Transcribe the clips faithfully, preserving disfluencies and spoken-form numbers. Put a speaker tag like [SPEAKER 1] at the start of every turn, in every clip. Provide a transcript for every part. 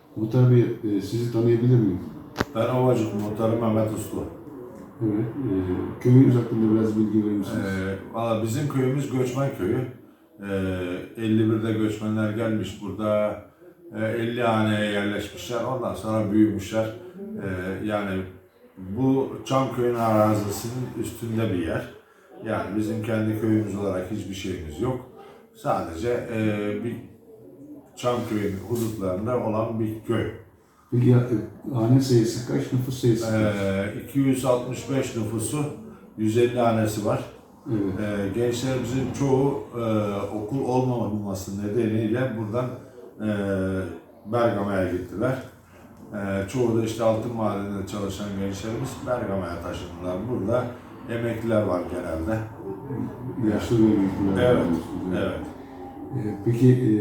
[SPEAKER 1] Muhtar Bey, e, sizi tanıyabilir miyim?
[SPEAKER 2] Ben Ovacık Muhtarı Mehmet Uslu.
[SPEAKER 1] Evet. E, köyünüz hakkında biraz bilgi verir misiniz?
[SPEAKER 2] Ee, valla bizim köyümüz göçmen köyü. Ee, elli birde göçmenler gelmiş burada. Ee, elli haneye yerleşmişler. Ondan sonra büyümüşler. Ee, yani bu Çamköy'ün arazisinin üstünde bir yer. Yani bizim kendi köyümüz olarak hiçbir şeyimiz yok. Sadece e, bir Çamköy'ün hudutlarında olan bir köy.
[SPEAKER 1] Peki ya, e, hane sayısı kaç, nüfus sayısı kaç?
[SPEAKER 2] Ee, iki yüz altmış beş nüfusu, yüz elli hanesi var.
[SPEAKER 1] Evet.
[SPEAKER 2] Ee, gençlerimizin çoğu e, okul olmaması nedeniyle buradan e, Bergama'ya gittiler. E, çoğu da işte altın madeninde çalışan gençlerimiz Bergama'ya taşındılar. Burada emekliler var genelde.
[SPEAKER 1] Yaşlı ve büyükler.
[SPEAKER 2] Evet,
[SPEAKER 1] var.
[SPEAKER 2] evet.
[SPEAKER 1] E, peki e,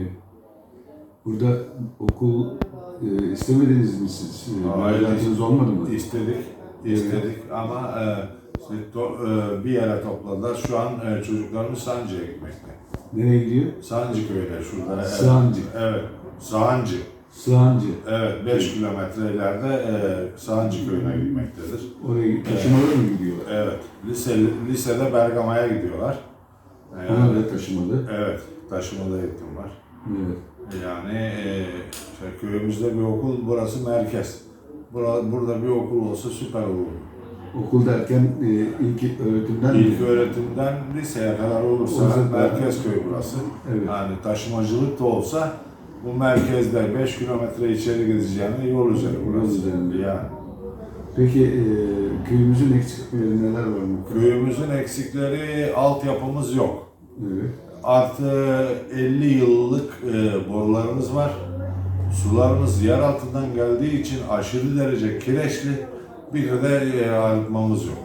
[SPEAKER 1] burada okul e, istemediniz mi siz? E,
[SPEAKER 2] Hayır.
[SPEAKER 1] Hayatınız olmadı mı?
[SPEAKER 2] İstedik, istedik ama e, işte to, e, bir yere topladılar. Şu an e, çocuklarımız Sancı'ya gitmekte.
[SPEAKER 1] Nereye gidiyor?
[SPEAKER 2] Sancı köyüne şurada.
[SPEAKER 1] Sancı.
[SPEAKER 2] Evet, Sancı.
[SPEAKER 1] Sığancı.
[SPEAKER 2] Evet, beş kilometre ileride e, Sancı köyüne gitmektedir.
[SPEAKER 1] Oraya taşımalı mı gidiyorlar?
[SPEAKER 2] Evet, lise, lisede Bergama'ya gidiyorlar. E,
[SPEAKER 1] Ona da taşımalı.
[SPEAKER 2] Evet, taşımalı eğitim var.
[SPEAKER 1] Evet.
[SPEAKER 2] Yani e, işte köyümüzde bir okul, burası merkez. Bura, burada bir okul olsa süper olur.
[SPEAKER 1] Okul derken e, ilk öğretimden
[SPEAKER 2] İlk
[SPEAKER 1] mi?
[SPEAKER 2] öğretimden liseye kadar olursa
[SPEAKER 1] Olursa
[SPEAKER 2] merkez köy burası.
[SPEAKER 1] Evet.
[SPEAKER 2] Yani taşımacılık da olsa bu merkezde beş kilometre içeri gideceğine yol üzeri burası.
[SPEAKER 1] Yol üzerinde.
[SPEAKER 2] Yani.
[SPEAKER 1] Peki e, köyümüzün eksiklikleri neler var mı?
[SPEAKER 2] Köyümüzün eksikleri, altyapımız yok.
[SPEAKER 1] Evet.
[SPEAKER 2] Artı elli yıllık e, borularımız var. Sularımız yer altından geldiği için aşırı derece kireçli. Bir de e, arıtmamız yok.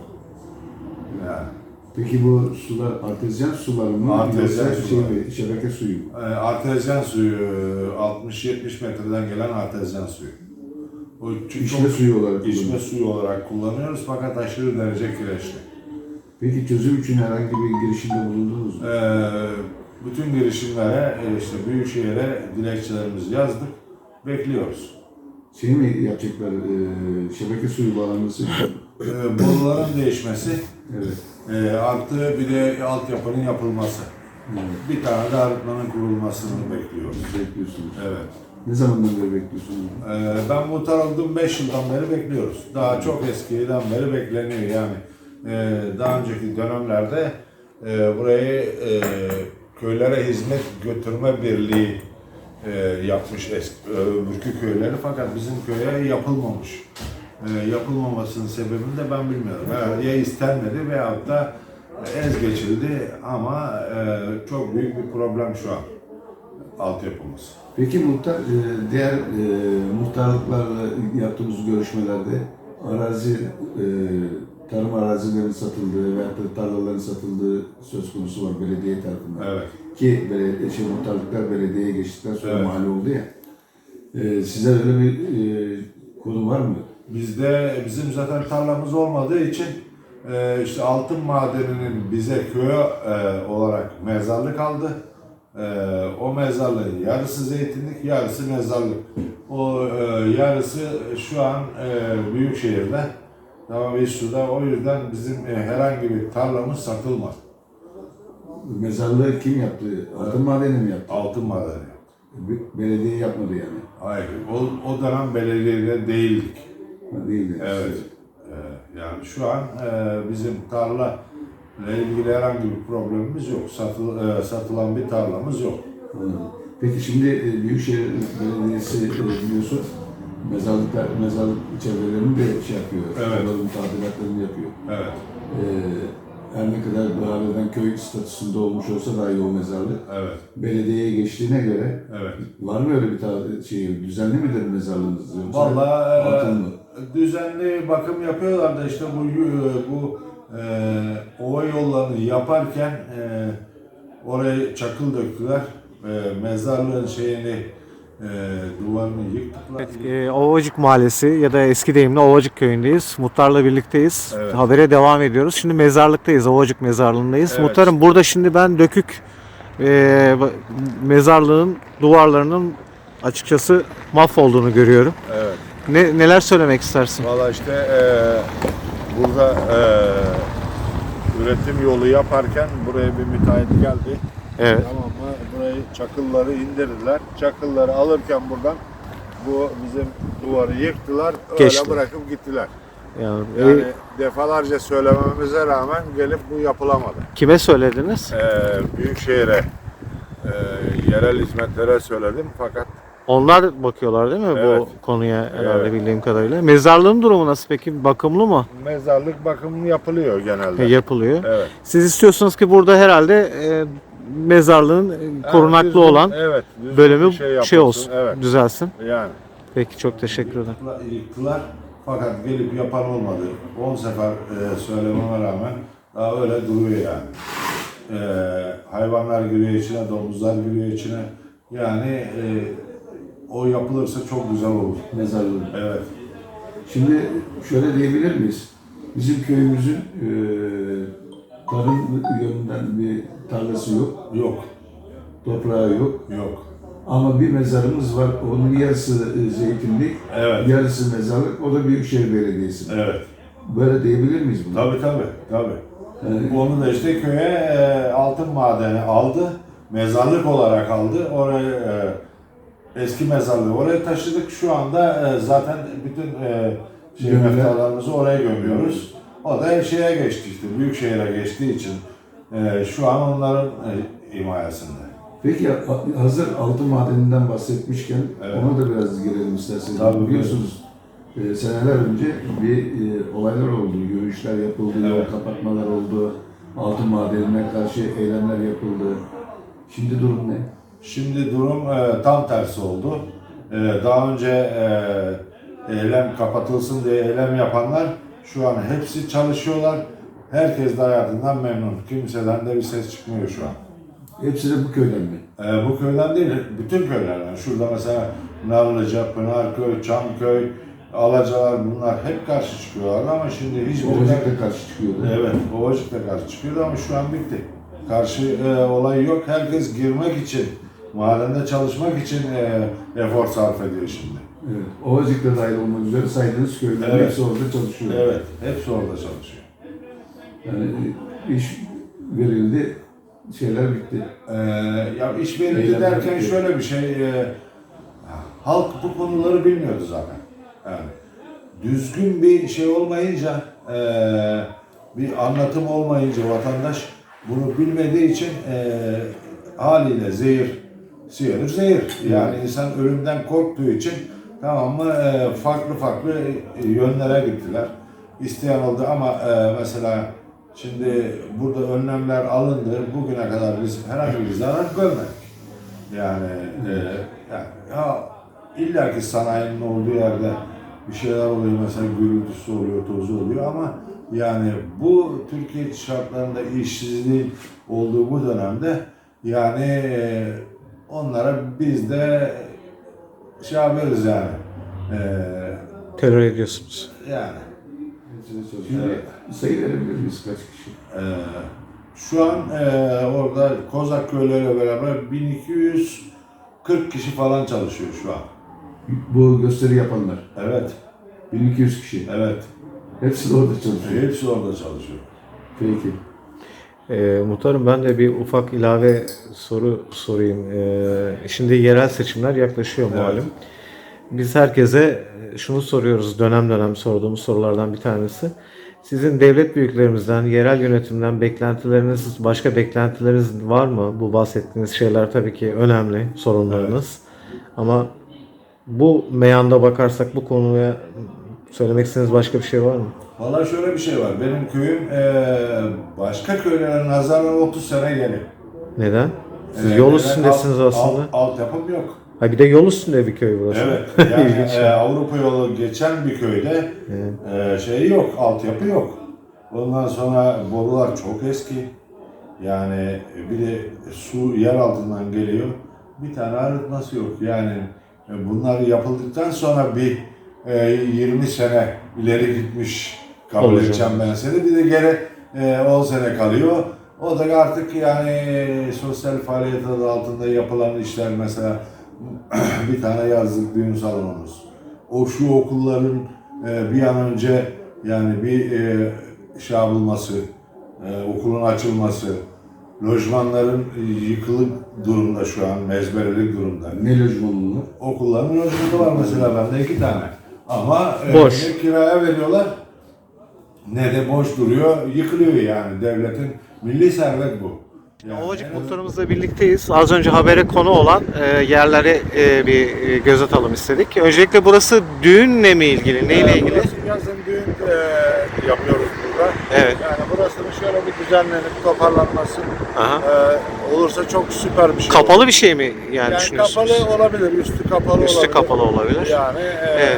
[SPEAKER 2] Yani.
[SPEAKER 1] Peki bu sular artezyen sular mı?
[SPEAKER 2] Artezyen
[SPEAKER 1] Yoksa
[SPEAKER 2] sular.
[SPEAKER 1] Şey mi, şebeke suyu mu?
[SPEAKER 2] E, artezyen suyu, altmış yetmiş metreden gelen artezyen suyu. O ç-
[SPEAKER 1] İçme suyu olarak
[SPEAKER 2] içme
[SPEAKER 1] kullanılıyor.
[SPEAKER 2] suyu olarak kullanıyoruz fakat aşırı derece kireçli.
[SPEAKER 1] Peki çözüm için herhangi bir girişimde bulundunuz mu?
[SPEAKER 2] E, bütün girişimlere, e, işte Büyükşehir'e dilekçelerimizi yazdık. Bekliyoruz.
[SPEAKER 1] Şey mi yapacaklar, e, şebeke suyu bağlanması?
[SPEAKER 2] E, boruların değişmesi,
[SPEAKER 1] Evet.
[SPEAKER 2] e, artı bir de altyapının yapılması.
[SPEAKER 1] Evet.
[SPEAKER 2] Bir tane de arıtmanın kurulmasını bekliyoruz.
[SPEAKER 1] Bekliyorsunuz.
[SPEAKER 2] Evet.
[SPEAKER 1] Ne zamandan beri bekliyorsunuz?
[SPEAKER 2] Ee, ben muhtar oldum beş yıldan beri bekliyoruz. Daha çok eskiden beri bekleniyor yani. Ee, daha önceki dönemlerde e, burayı e, köylere hizmet götürme birliği e, yapmış eski öbürkü köyleri fakat bizim köye yapılmamış. E, yapılmamasının sebebini de ben bilmiyorum. Herhalde ya istenmedi veyahut da ez geçildi ama e, çok büyük bir problem şu an altyapımız.
[SPEAKER 1] Peki muhtar, e, diğer e, muhtarlıklarla yaptığımız görüşmelerde arazi, e, tarım arazilerinin satıldığı veyahut da tarlaların satıldığı söz konusu var belediye tarafından.
[SPEAKER 2] Evet.
[SPEAKER 1] Ki belediye, şey, muhtarlıklar belediyeye geçtikten sonra
[SPEAKER 2] Evet.
[SPEAKER 1] mahalle oldu ya. E, size öyle bir e, konu var mı?
[SPEAKER 2] Bizde bizim zaten tarlamız olmadığı için e, işte altın madeninin bize köy e, olarak mezarlık aldı. E, o mezarlığın yarısı zeytinlik, yarısı mezarlık. O e, yarısı şu an e, Büyükşehir'de, tamam İSSU'da. O yüzden bizim e, herhangi bir tarlamız satılmaz.
[SPEAKER 1] Mezarlığı kim yaptı? Altın madeni mi yaptı?
[SPEAKER 2] Altın madeni.
[SPEAKER 1] Be- Belediye yapmadı yani.
[SPEAKER 2] Hayır, o, o dönem belediyede değildik.
[SPEAKER 1] Ha, değildi.
[SPEAKER 2] Evet. Ee, yani şu an e, bizim tarla ile ilgili herhangi bir problemimiz yok. Satıl, e, satılan bir tarlamız yok.
[SPEAKER 1] Anladım. Peki şimdi e, Büyükşehir Belediyesi e, biliyorsun mezarlıklar, mezarlık çevrelerini de şey yapıyor.
[SPEAKER 2] Evet.
[SPEAKER 1] Onların tadilatlarını yapıyor.
[SPEAKER 2] Evet.
[SPEAKER 1] E, her ne kadar halen köy statüsünde olmuş olsa dahi o mezarlık
[SPEAKER 2] Evet.
[SPEAKER 1] belediyeye geçtiğine göre
[SPEAKER 2] Evet.
[SPEAKER 1] var mı öyle bir tadi- şey, düzenli midir mezarlığınız? Yoksa
[SPEAKER 2] Vallahi
[SPEAKER 1] atıl mı?
[SPEAKER 2] e, düzenli bakım yapıyorlar da işte bu bu e, ova yollarını yaparken e, oraya çakıl döktüler. E, mezarlığın şeyini e, duvarını yıktılar.
[SPEAKER 3] Evet, e, Ovacık Mahallesi ya da eski deyimle Ovacık Köyü'ndeyiz. Muhtarla birlikteyiz.
[SPEAKER 2] Evet.
[SPEAKER 3] Habere devam ediyoruz. Şimdi mezarlıktayız, Ovacık Mezarlığı'ndayız.
[SPEAKER 2] Evet.
[SPEAKER 3] Muhtarım burada şimdi ben dökük e, mezarlığın duvarlarının açıkçası mahvolduğunu görüyorum.
[SPEAKER 2] Evet.
[SPEAKER 3] Ne neler söylemek istersin?
[SPEAKER 2] Valla işte eee, burada eee, üretim yolu yaparken buraya bir müteahhit geldi.
[SPEAKER 3] Evet.
[SPEAKER 2] Tamam mı? Burayı çakılları indirdiler. Çakılları alırken buradan bu bizim duvarı yıktılar. Öyle
[SPEAKER 3] Geçti.
[SPEAKER 2] bırakıp gittiler.
[SPEAKER 3] Yani,
[SPEAKER 2] Yani
[SPEAKER 3] e,
[SPEAKER 2] defalarca söylememize rağmen gelip bu yapılamadı.
[SPEAKER 3] kime söylediniz?
[SPEAKER 2] Ee, Büyükşehir'e, e, yerel hizmetlere söyledim fakat
[SPEAKER 3] Onlar bakıyorlar değil mi
[SPEAKER 2] Evet.
[SPEAKER 3] bu konuya herhalde
[SPEAKER 2] Evet.
[SPEAKER 3] bildiğim kadarıyla. Mezarlığın durumu nasıl peki? Bakımlı mı?
[SPEAKER 2] mezarlık bakımı yapılıyor genelde.
[SPEAKER 3] E, yapılıyor.
[SPEAKER 2] Evet.
[SPEAKER 3] Siz istiyorsunuz ki burada herhalde e, mezarlığın e, korunaklı
[SPEAKER 2] düzgün-
[SPEAKER 3] olan
[SPEAKER 2] evet, düzgün
[SPEAKER 3] bölümü
[SPEAKER 2] bir
[SPEAKER 3] şey,
[SPEAKER 2] yapılsın.
[SPEAKER 3] olsun,
[SPEAKER 2] Evet.
[SPEAKER 3] düzelsin.
[SPEAKER 2] Yani
[SPEAKER 3] Peki çok teşekkür ederim.
[SPEAKER 2] yıktılar fakat gelip yapan olmadı. on sefer e, söylememe rağmen daha öyle duruyor yani. E, hayvanlar giriyor içine, domuzlar giriyor içine. Yani e, o yapılırsa çok güzel olur.
[SPEAKER 1] Mezarlığı.
[SPEAKER 2] Evet.
[SPEAKER 1] Şimdi şöyle diyebilir miyiz? Bizim köyümüzün e, tarım yönünden bir tarlası yok,
[SPEAKER 2] Yok.
[SPEAKER 1] toprağı yok.
[SPEAKER 2] Yok.
[SPEAKER 1] Ama bir mezarımız var, onun yarısı e, zeytinlik,
[SPEAKER 2] Evet.
[SPEAKER 1] yarısı mezarlık, o da Büyükşehir Belediyesi.
[SPEAKER 2] Evet.
[SPEAKER 1] Böyle diyebilir miyiz bunu?
[SPEAKER 2] Tabii tabii. Tabii.
[SPEAKER 1] Yani,
[SPEAKER 2] Onu da işte köye e, altın madeni aldı. Mezarlık olarak aldı. Oraya e, eski mezarlığı oraya taşıdık. Şu anda e, zaten bütün e, şey
[SPEAKER 1] Gömüler.
[SPEAKER 2] meftalarımızı oraya gömüyoruz. O da şeye geçti işte. Büyükşehir'e geçtiği için e, şu an onların e, himayesinde.
[SPEAKER 1] peki ha- hazır altın madeninden bahsetmişken
[SPEAKER 2] Evet.
[SPEAKER 1] ona da biraz girelim isterseniz.
[SPEAKER 2] Tabii,
[SPEAKER 1] Biliyorsunuz e, seneler önce bir e, olaylar oldu, yürüyüşler yapıldı, yol
[SPEAKER 2] Evet.
[SPEAKER 1] kapatmalar oldu, altın madenine karşı eylemler yapıldı. Şimdi durum ne?
[SPEAKER 2] Şimdi durum e, tam tersi oldu. E, daha önce e, eylem kapatılsın diye eylem yapanlar şu an hepsi çalışıyorlar. Herkes de hayatından memnun. Kimseden de bir ses çıkmıyor şu an.
[SPEAKER 1] Hepsi de bu köyden mi?
[SPEAKER 2] E, bu köyden değil, bütün köylerden. Şurada mesela Narlıca, Pınarköy, Çamköy, Alacalar bunlar hep karşı çıkıyorlar ama şimdi hiç
[SPEAKER 1] Ovacık da karşı çıkıyordu.
[SPEAKER 2] Evet, Ovacık da karşı çıkıyordu ama şu an bitti. Karşı e, olay yok. Herkes girmek için, madende çalışmak için e, efor sarf ediyor şimdi.
[SPEAKER 1] Evet. Ovacık da dahil olmak üzere saydığınız köylerin
[SPEAKER 2] Evet.
[SPEAKER 1] hepsi orada çalışıyor.
[SPEAKER 2] Evet, hepsi orada çalışıyor.
[SPEAKER 1] Yani e, iş verildi, şeyler bitti.
[SPEAKER 2] E, ya iş verildi
[SPEAKER 1] Eylemler
[SPEAKER 2] derken
[SPEAKER 1] bitti.
[SPEAKER 2] şöyle bir şey, e, halk bu konuları bilmiyordu zaten. Yani düzgün bir şey olmayınca, e, bir anlatım olmayınca vatandaş bunu bilmediği için e, haliyle zehir, siyanür zehir. Yani insan ölümden korktuğu için tamam mı e, farklı farklı e, yönlere gittiler. İsteyen oldu ama e, mesela şimdi burada önlemler alındı. Bugüne kadar biz herhangi bir zarar görmedik. Yani, e, yani ya, illaki sanayinin olduğu yerde bir şeyler oluyor, mesela gürültüsü oluyor, tozu oluyor ama yani bu Türkiye şartlarında işsizliğin olduğu bu dönemde yani e, onlara biz de şey yapıyoruz yani. E,
[SPEAKER 3] Terör ediyorsunuz.
[SPEAKER 2] yani
[SPEAKER 1] Şimdi
[SPEAKER 2] Evet.
[SPEAKER 1] sayı verebilir miyiz kaç kişi?
[SPEAKER 2] e, şu an e, orada Kozak köyleriyle beraber bin iki yüz kırk kişi falan çalışıyor şu an.
[SPEAKER 1] Bu gösteri yapanlar.
[SPEAKER 2] Evet,
[SPEAKER 1] bin iki yüz kişi.
[SPEAKER 2] evet.
[SPEAKER 1] Hepsi de orada çalışıyor.
[SPEAKER 2] Hepsi orada çalışıyor.
[SPEAKER 1] Peki.
[SPEAKER 3] E, muhtarım ben de bir ufak ilave soru sorayım. E, şimdi yerel seçimler yaklaşıyor
[SPEAKER 2] Evet.
[SPEAKER 3] malum. Biz herkese şunu soruyoruz, dönem dönem sorduğumuz sorulardan bir tanesi. Sizin devlet büyüklerimizden, yerel yönetimden beklentileriniz, başka beklentileriniz var mı? Bu bahsettiğiniz şeyler tabii ki önemli, sorunlarınız. Ama bu meyanda bakarsak bu konuya söylemek istediğiniz başka bir şey var mı?
[SPEAKER 2] Valla şöyle bir şey var. Benim köyüm eee başka köylere nazaran otuz sene geri.
[SPEAKER 3] Neden? Siz
[SPEAKER 2] Eee,
[SPEAKER 3] yol
[SPEAKER 2] neden?
[SPEAKER 3] üstündesiniz
[SPEAKER 2] Alt-
[SPEAKER 3] aslında.
[SPEAKER 2] Alt, altyapım yok.
[SPEAKER 3] Ha bir de yol üstünde bir köy burası.
[SPEAKER 2] Evet. Yani
[SPEAKER 3] İlginç.
[SPEAKER 2] eee, Avrupa yolu geçen bir köyde eee, şey yok, altyapı yok. Ondan sonra borular çok eski. Yani bir de su yer altından geliyor. Bir tane arıtması yok. Yani e, bunlar yapıldıktan sonra bir e, yirmi sene ileri gitmiş kabul
[SPEAKER 3] Olacak.
[SPEAKER 2] edeceğim ben seni. Bir de geri e, on sene kalıyor. O da artık yani e, sosyal faaliyet adı altında yapılan işler mesela bir tane yazlık düğün salonumuz. O şu okulların e, bir an önce yani bir e, şey yapılması, e, okulun açılması, lojmanların yıkılık durumda şu an, mezberelik durumda.
[SPEAKER 1] Ne lojmanı bunlar?
[SPEAKER 2] Okulların lojmanı var mesela bende iki tane. Ama e,
[SPEAKER 3] Boş.
[SPEAKER 2] ne kiraya veriyorlar ne de boş duruyor, yıkılıyor yani devletin milli servet bu. Yani
[SPEAKER 3] Ovacık
[SPEAKER 2] en azından-
[SPEAKER 3] muhtarımızla birlikteyiz. Az önce habere konu olan e, yerlere e, bir e, göz atalım istedik. Öncelikle burası düğünle mi ilgili, neyle
[SPEAKER 2] Ee,
[SPEAKER 3] ilgili?
[SPEAKER 2] Burası yazın düğün e, yapıyoruz burada.
[SPEAKER 3] Evet.
[SPEAKER 2] Yani burasının şöyle bir düzenlenip toparlanması
[SPEAKER 3] Aha.
[SPEAKER 2] e, olursa çok süper bir şey
[SPEAKER 3] Kapalı
[SPEAKER 2] olur.
[SPEAKER 3] bir şey mi yani,
[SPEAKER 2] Yani
[SPEAKER 3] düşünüyorsunuz?
[SPEAKER 2] kapalı olabilir, üstü kapalı
[SPEAKER 3] Üstü
[SPEAKER 2] olabilir.
[SPEAKER 3] kapalı olabilir.
[SPEAKER 2] Yani e,
[SPEAKER 3] Evet.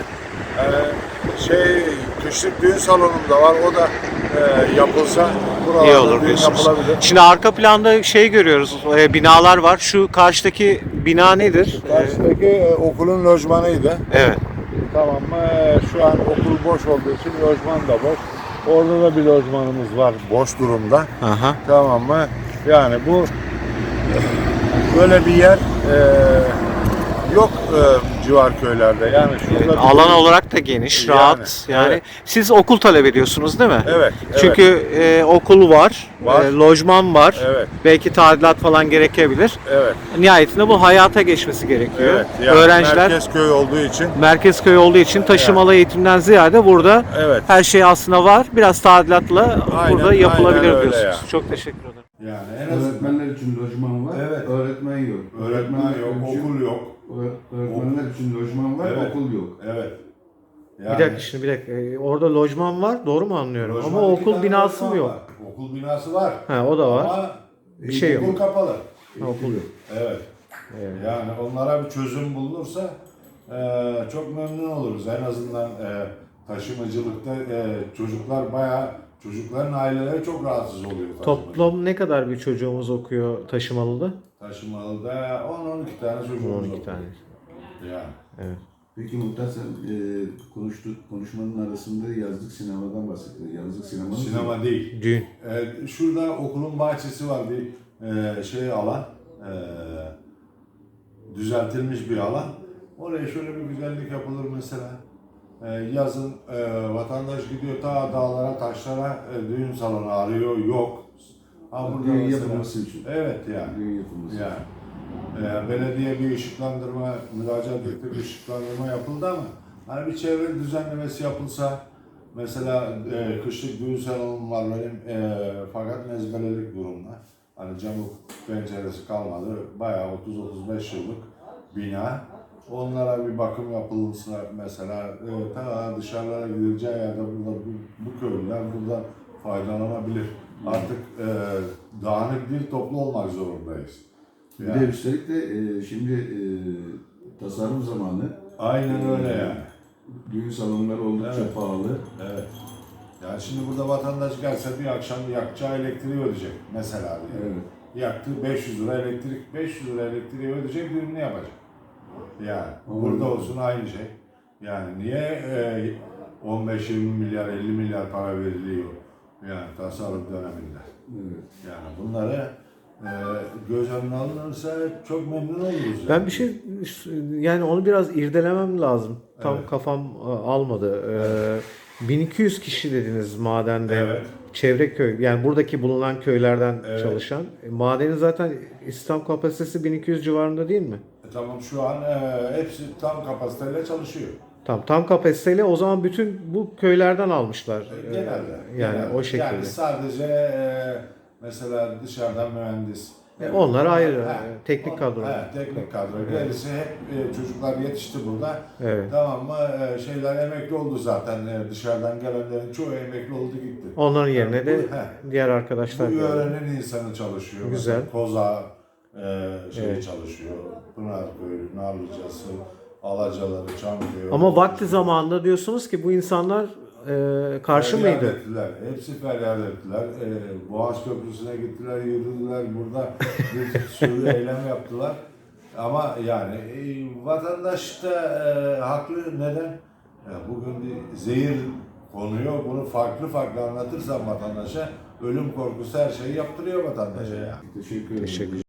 [SPEAKER 2] e, şey kışlık düğün salonunda var, o da e, yapılsa buralarda
[SPEAKER 3] İyi olur
[SPEAKER 2] düğün
[SPEAKER 3] diyorsunuz.
[SPEAKER 2] yapılabilir.
[SPEAKER 3] Şimdi arka planda şey görüyoruz, e, binalar var. Şu karşıdaki bina nedir? E,
[SPEAKER 2] Karşıdaki e, okulun lojmanıydı.
[SPEAKER 3] evet.
[SPEAKER 2] Tamam mı? Ee, Şu an okul boş olduğu için lojman da boş. Orada da bir lojmanımız var boş durumda.
[SPEAKER 3] Aha.
[SPEAKER 2] Tamam mı? Yani bu böyle bir yer e, yok e, civar köylerde. Yani şurada
[SPEAKER 3] Evet,
[SPEAKER 2] bir-
[SPEAKER 3] alan olarak da geniş,
[SPEAKER 2] Yani,
[SPEAKER 3] rahat. Yani
[SPEAKER 2] evet.
[SPEAKER 3] siz okul talep ediyorsunuz değil mi?
[SPEAKER 2] Evet, evet.
[SPEAKER 3] Çünkü e, okul var,
[SPEAKER 2] Var.
[SPEAKER 3] e, lojman var.
[SPEAKER 2] Evet.
[SPEAKER 3] Belki tadilat falan gerekebilir.
[SPEAKER 2] Evet.
[SPEAKER 3] Nihayetinde bu hayata geçmesi gerekiyor.
[SPEAKER 2] Evet. Yani
[SPEAKER 3] Öğrenciler
[SPEAKER 2] merkez köy olduğu için.
[SPEAKER 3] merkez köy olduğu için taşımalı eğitimden ziyade burada
[SPEAKER 2] Evet.
[SPEAKER 3] her şey aslında var. Biraz tadilatla
[SPEAKER 2] Aynen,
[SPEAKER 3] burada yapılabilir
[SPEAKER 2] aynen öyle
[SPEAKER 3] diyorsunuz.
[SPEAKER 2] ya.
[SPEAKER 3] Çok teşekkür ederim.
[SPEAKER 2] Yani en azından
[SPEAKER 1] Öğretmenler için lojman var,
[SPEAKER 2] Evet.
[SPEAKER 1] öğretmen yok.
[SPEAKER 2] öğretmen yok,
[SPEAKER 1] için-
[SPEAKER 2] okul yok.
[SPEAKER 1] Öğ- Öğretmenler için lojman var,
[SPEAKER 2] Evet.
[SPEAKER 1] okul yok.
[SPEAKER 2] Evet.
[SPEAKER 3] Bir dakika şimdi bir dakika. Ee, orada lojman var, doğru mu anlıyorum?
[SPEAKER 2] lojman
[SPEAKER 3] Ama
[SPEAKER 2] iki
[SPEAKER 3] okul
[SPEAKER 2] tane
[SPEAKER 3] binası
[SPEAKER 2] lojman
[SPEAKER 3] mı yok?
[SPEAKER 2] var. Okul binası var.
[SPEAKER 3] Ha, o da var.
[SPEAKER 2] Ama
[SPEAKER 3] Bir şey yok.
[SPEAKER 2] okul kapalı.
[SPEAKER 3] Ha, okul yok.
[SPEAKER 2] Evet.
[SPEAKER 3] Evet.
[SPEAKER 2] Yani onlara bir çözüm bulunursa e, çok memnun oluruz. En azından e, taşımacılıkta e, çocuklar bayağı, çocukların aileleri çok rahatsız oluyor. taşımacılıkta.
[SPEAKER 3] Toplam ne kadar bir çocuğumuz okuyor taşımalıda?
[SPEAKER 2] Taşımalıda on on iki tane çocuğumuz
[SPEAKER 3] on iki
[SPEAKER 2] oluyor.
[SPEAKER 3] tane.
[SPEAKER 2] Yani.
[SPEAKER 3] Evet.
[SPEAKER 1] Peki Muhtar sen e, konuştuk, konuşmanın arasında yazlık sinemadan bahsettin. Yazlık sinema
[SPEAKER 2] Sinema değil.
[SPEAKER 3] Düğün.
[SPEAKER 2] E, şurada okulun bahçesi var, bir e, şey alan. E, düzeltilmiş bir alan. Oraya şöyle bir güzellik yapılır mesela. Ee, yazın e, vatandaş gidiyor ta dağlara, taşlara, e, düğün salonu arıyor, yok. Ha burada
[SPEAKER 1] Düğün
[SPEAKER 2] mesela-
[SPEAKER 1] yapılması için.
[SPEAKER 2] Evet yani.
[SPEAKER 1] Düğün yapılması
[SPEAKER 2] Yani. E, belediye bir ışıklandırma, müracaat etti, bir ışıklandırma yapıldı ama hani bir çevre düzenlemesi yapılsa, mesela e, kışlık düğün salonum var benim, e, fakat mezbelelik durumda. Hani camı penceresi kalmadı, bayağı otuz otuz beş yıllık bina. Onlara bir bakım yapılırsa mesela, e, ta dışarılara gidileceği yerde burada bu, bu köylüler buradan faydalanabilir. Artık e, dağınık bir toplu olmak zorundayız.
[SPEAKER 1] Bir
[SPEAKER 2] Yani.
[SPEAKER 1] de üstelik de e, şimdi e, tasarruf zamanı.
[SPEAKER 2] Aynen öyle
[SPEAKER 1] E,
[SPEAKER 2] yani.
[SPEAKER 1] Düğün salonları oldukça
[SPEAKER 2] Evet.
[SPEAKER 1] pahalı.
[SPEAKER 2] Evet. Yani şimdi burada vatandaş gelse bir akşam yakacağı elektriği ödeyecek mesela diye.
[SPEAKER 1] Evet.
[SPEAKER 2] Yaktı beş yüz lira elektrik, beş yüz lira elektriği ödeyecek, düğününü yapacak. Yani
[SPEAKER 1] Ama-
[SPEAKER 2] burada olsun aynı şey. Yani niye e, on beş yirmi milyar, elli milyar para veriliyor yani tasarruf döneminde.
[SPEAKER 1] Evet.
[SPEAKER 2] Yani bunları e, göz önüne alınırsa çok memnun oluruz.
[SPEAKER 3] Ben
[SPEAKER 2] yani.
[SPEAKER 3] bir şey yani onu biraz irdelemem lazım. Tam
[SPEAKER 2] Evet.
[SPEAKER 3] kafam e, almadı. Ee, bin iki yüz kişi dediniz madende.
[SPEAKER 2] Evet.
[SPEAKER 3] Çevre köy yani buradaki bulunan köylerden
[SPEAKER 2] Evet.
[SPEAKER 3] çalışan. E, madenin zaten istihdam kapasitesi bin iki yüz civarında değil mi?
[SPEAKER 2] E, tamam şu an e, hepsi tam kapasiteyle çalışıyor.
[SPEAKER 3] Tam tam kapasiteyle o zaman bütün bu köylerden almışlar. Ee,
[SPEAKER 2] Genelde.
[SPEAKER 3] Yani
[SPEAKER 2] genelde.
[SPEAKER 3] o şekilde.
[SPEAKER 2] Yani sadece e, mesela dışarıdan mühendis.
[SPEAKER 3] E, onlar ayrı,
[SPEAKER 2] Ha,
[SPEAKER 3] e, teknik
[SPEAKER 2] o-
[SPEAKER 3] kadro.
[SPEAKER 2] He, teknik kadro.
[SPEAKER 3] Evet.
[SPEAKER 2] Gerisi hep e, çocuklar yetişti burada.
[SPEAKER 3] Evet.
[SPEAKER 2] Tamam mı? E, şeyler emekli oldu zaten. E, dışarıdan gelenlerin çoğu emekli oldu gitti.
[SPEAKER 3] Onların yerine de
[SPEAKER 2] Bu- he.
[SPEAKER 3] diğer arkadaşlar
[SPEAKER 2] Bu
[SPEAKER 3] geldi.
[SPEAKER 2] yörenin insanı çalışıyor.
[SPEAKER 3] Güzel.
[SPEAKER 2] Mesela Koza e, şey
[SPEAKER 3] Evet.
[SPEAKER 2] çalışıyor. Pınarköy, Narlıcası, Alacaları, Çamköy.
[SPEAKER 3] Ama vakti zamanında diyorsunuz ki bu insanlar e, karşı
[SPEAKER 2] Feryat
[SPEAKER 3] mıydı?
[SPEAKER 2] ettiler. Hepsi feryat ettiler. Ee, Boğaz Köprüsü'ne gittiler, yürüdüler. Burada bir sürü eylem yaptılar. Ama yani e, vatandaş da e, haklı. Neden? Ya bugün bir zehir konuyor. Bunu farklı farklı anlatırsan vatandaşa, ölüm korkusu her şeyi yaptırıyor vatandaşa. Yani.
[SPEAKER 1] Teşekkür ederim.
[SPEAKER 3] Teşekkür